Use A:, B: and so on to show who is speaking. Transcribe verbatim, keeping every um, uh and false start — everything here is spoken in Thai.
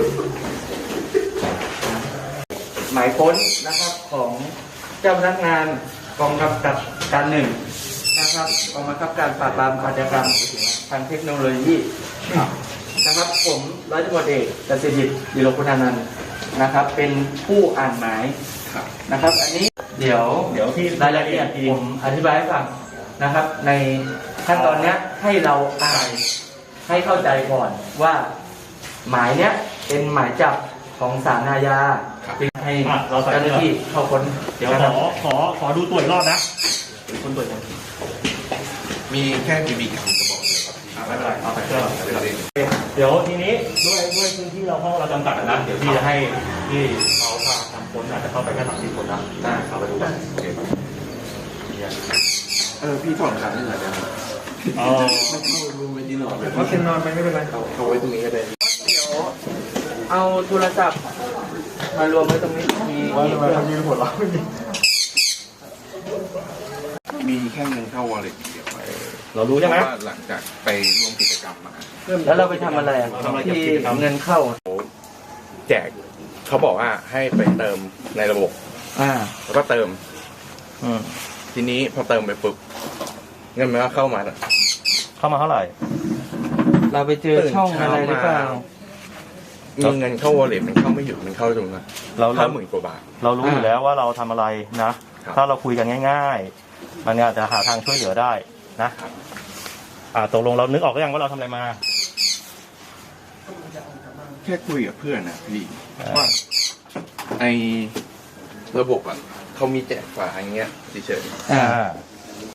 A: หมายค้นนะครับของเจ้าพนักงานกองกำกับการหนึ่งนะครับกองบังคับการปราบปรามอาชญากรรมทางเทคโนโลยีนะครับผมร้อยตำรวจเอกกสิทธิ์ดิโรคุณานันท์นะครับเป็นผู้อ่านหมายนะครับอันนี้เดี๋ยวเดี๋ยวที่รายละเอียดผมอธิบายให้ฟังนะครับในขั้นตอนนี้ให้เราอ่านให้เข้าใจก่อนว่าหมายเนี้ยเป็นหมายจับของศาลอาญาจึงให้เจ้าหน้าที่เข้าค้น
B: เดี๋ยวขอขอขอดูตัวอีกรอบนะคนตัวยัง
C: มีแค่บีบีกันกระบอกเดียวครับ
B: ไม่เป็นไรเอาไปเชื่อเดี๋ยวทีนี้ด้วยด้วยพื้นที่เราห้องเราจำกัดนะเดี๋ยวพี่จะให้ที่เขาพาทำค้นอาจจะเข้าไปแค่สามสิบคนนะได้เข้าไปดูกัน
C: เออพี่ถอนขาได้หน่อยได้ไหม
B: อ๋อ
C: ไม่เข้ารูมไม่ดีหน่อย
A: เพราะเป็นนอนไปไม่เป็นไร
C: เขาเขาไว้ตรงนี้ก็ได้
A: เดี๋ยวเอาโทรศัพท์มารวมไว้ตรงนี้มี
C: ว่าทำไมเขายืนหัวเราะมีแค่เงินเข้าวอลเล็ตเดียว
B: เรารู้ใช่ไหม
C: หลังจากไปร่วมกิจกรรมมา
A: แล้วเราไปทำอะไรที่เงินเข้า
C: แจกเขาบอกว่าให้ไปเติมในระบบ
A: อ่า
C: แล้วก็เติม
A: อืม
C: ทีนี้พอเติมไปปุ๊บเงินมันก็เข้ามา
B: เข้ามาเท่าไหร่
A: เราไปเจอช่องอะไรหรือเปล่า
C: มีเงินเข้าวอลเล็ตมันเข้าไม่หยุดมันเข้าตรงนั้นเราเข้าหมื่นกว่าบาท
B: เรารู้อยู่แล้วว่าเราทำอะไรนะถ้าเราคุยกันง่ายๆมันอาจจะหาทางช่วยเหลือได้นะอ่าตกลงเรานึกออกหรือยังว่าเราทำอะไรมา
C: แค่คุยกับเพื่อนนะพี่ว่าไอระบบอ่ะเขามีแจกฝาอย่างเงี้ยเฉย
A: ๆ